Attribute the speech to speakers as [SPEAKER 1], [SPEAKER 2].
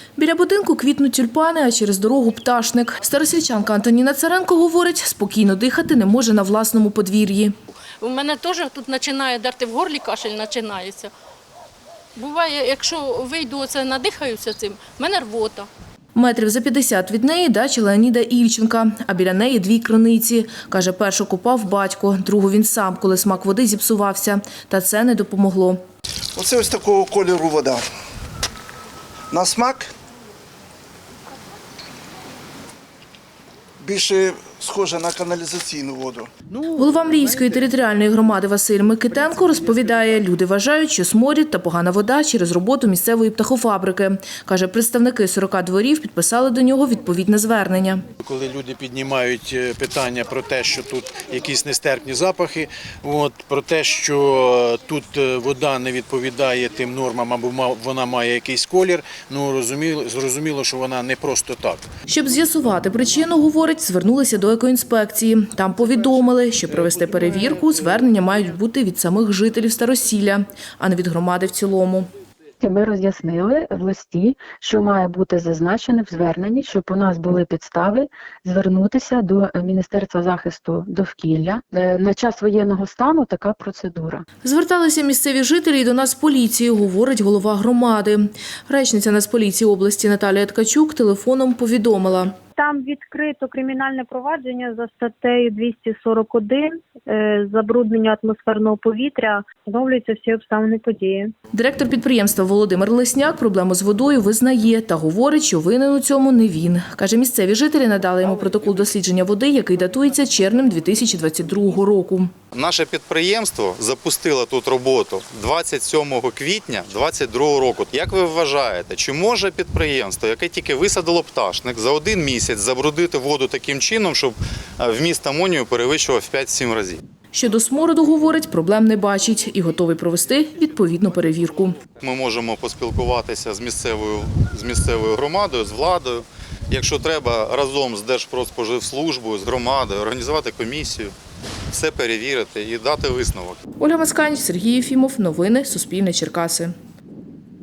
[SPEAKER 1] Біля будинку квітнуть тюльпани, а через дорогу пташник. Старосвітчанка Антоніна Царенко говорить, спокійно дихати не може на власному подвір'ї.
[SPEAKER 2] У мене теж тут починає дерти в горлі, кашель починається. Буває, якщо вийду, надихаюся цим, в мене рвота.
[SPEAKER 1] Метрів за 50 від неї дача Леоніда Ільченка, а біля неї 2 криниці. Каже, першу купав батько, другу він сам, коли смак води зіпсувався. Та це не допомогло.
[SPEAKER 3] Оце ось такого кольору вода. На смак більше схожа на каналізаційну воду.
[SPEAKER 1] Голова Мріївської територіальної громади Василь Микитенко розповідає, люди вважають, що сморід та погана вода через роботу місцевої птахофабрики. Каже, представники 40 дворів підписали до нього відповідне звернення.
[SPEAKER 4] Коли люди піднімають питання про те, що тут якісь нестерпні запахи, про те, що тут вода не відповідає тим нормам або вона має якийсь колір, зрозуміло, що вона не просто так.
[SPEAKER 1] Щоб з'ясувати причину, говорить, звернулися до екоінспекції. Там повідомили, що провести перевірку звернення мають бути від самих жителів Старосілля, а не від громади в цілому.
[SPEAKER 5] Ми роз'яснили в листі, що має бути зазначено в зверненні, щоб у нас були підстави звернутися до Міністерства захисту довкілля. На час воєнного стану така процедура.
[SPEAKER 1] Зверталися місцеві жителі і до Нацполіції, говорить голова громади. Речниця Нацполіції області Наталія Ткачук телефоном повідомила.
[SPEAKER 6] Там відкрито кримінальне провадження за статтею 241 «Забруднення атмосферного повітря». Встановлюються всі обставини події.
[SPEAKER 1] Директор підприємства Володимир Лесняк проблему з водою визнає та говорить, що винен у цьому не він. Каже, місцеві жителі надали йому протокол дослідження води, який датується червнем 2022 року.
[SPEAKER 7] Наше підприємство запустило тут роботу 27 квітня 2022 року. Як ви вважаєте, чи може підприємство, яке тільки висадило пташник, за один місяць забруднити воду таким чином, щоб вміст амонію перевищував в 5-7 разів?
[SPEAKER 1] Щодо смороду, говорить, проблем не бачить і готовий провести відповідну перевірку.
[SPEAKER 7] Ми можемо поспілкуватися з місцевою громадою, з владою. Якщо треба, разом з Держпродспоживслужбою, з громадою, організувати комісію, все перевірити і дати висновок.
[SPEAKER 1] Ольга Маскань, Сергій Єфімов. Новини Суспільне Черкаси.